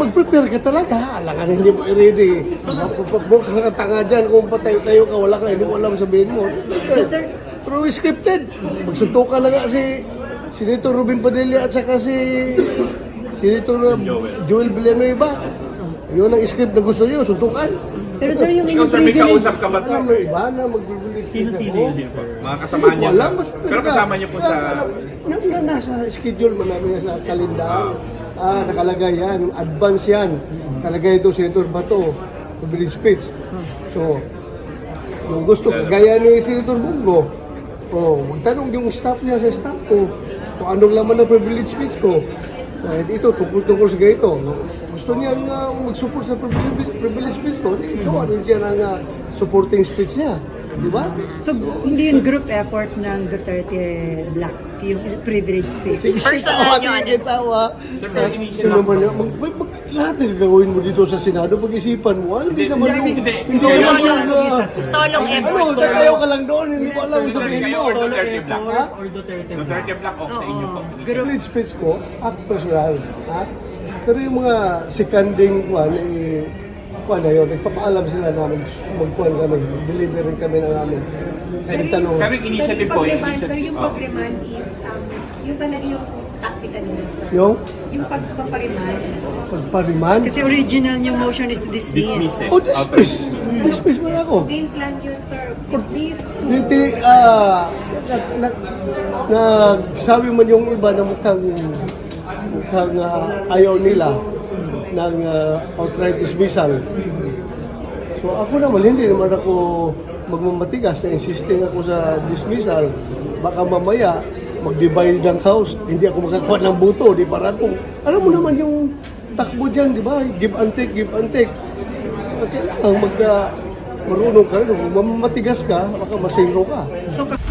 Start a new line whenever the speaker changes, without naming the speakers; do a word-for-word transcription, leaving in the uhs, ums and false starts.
mag-prepare ka talaga. Alam ka na hindi mo i-ready. Mukhang ka tanga dyan. Kung patayo-tayo ka, wala ka, hindi mo alam sabihin mo. Pero scripted. Magsuntukan na nga si Senator Robin Padilla at saka si Senator Joel Villanueva. Yun ang script na gusto niyo, suntukan.
Pero sir, yung
Ikaw
inyong
sir, may
privilege,
kausap ka ba sir?
May iba na mag-release.
Sino-sino yun?
Mga kasamahan niya
Wala,
sir?
mas
Pero kasama niyo po sa...
Na, na, nasa schedule mo namin sa kalendar. Ah, nakalagay yan. Advance yan. Nakalagay ito Senator Bato. Privilege speech. So, kung gusto, gaya ni Senator Bungo, oh, magtanong yung staff niya sa staff ko kung anong laman ng privilege speech ko. Kahit ito, tungkol-tungkol sa ganito. Gusto niya uh, mag-support sa privilege, privilege speech ko, ito, ano siya ng uh, supporting speech niya. Di ba?
so hindi yung group effort ng Duterte Black, yung privilege speech.
Personal nyo, ano?
Tawa.
Sir, may inisip
Ano
lang
naman yan? Mag, mag, mag, lahat na gagawin mo dito sa Senado, pag-isipan mo, ano, hindi naman yung...
hindi.
Hindi naman
Solong,
yung... uh,
solong
Ano,
effort.
tatayo ka lang doon, hindi mo alam
Sir,
sabihin
kayo
mo.
or Duterte Black?
Ha?
Or Duterte
Duterte Black o sa inyo po?
Privilege speech ko, act personal. Ha? Pero yung mga seconding kuhan, eh, kuhan na yun, nagpapaalam sila namin, magkuhan kami, deliver rin kami ng amin. Kahit tanong,
Pero yung initiative po, yung
pag-remand, sir,
initiative...
yung
Oh.
pag-remand is, um, yung talaga yung tactical nila, sir.
yung
Yung pag-remand.
pagpariman.
Kasi original yung motion is to dismiss.
Dismiss it.
Oh, dismiss! Dismiss mo na ako.
Game plan yun, sir. Dismiss.
Hindi, ah, nag, nag, nag, sabi man yung iba na mukhang, mukhang ah, ayaw nila ng ah, outright dismissal. So ako naman, hindi naman ako magmamatigas na insisting ako sa dismissal. Baka mamaya, mag-divide ng house, hindi ako makakuha ng buto, di para kung, alam mo naman yung takbo dyan, di ba? Give and take, give and take. Kailangan mag, uh, marunong ka, kung mamatigas ka, baka masiro ka.
So,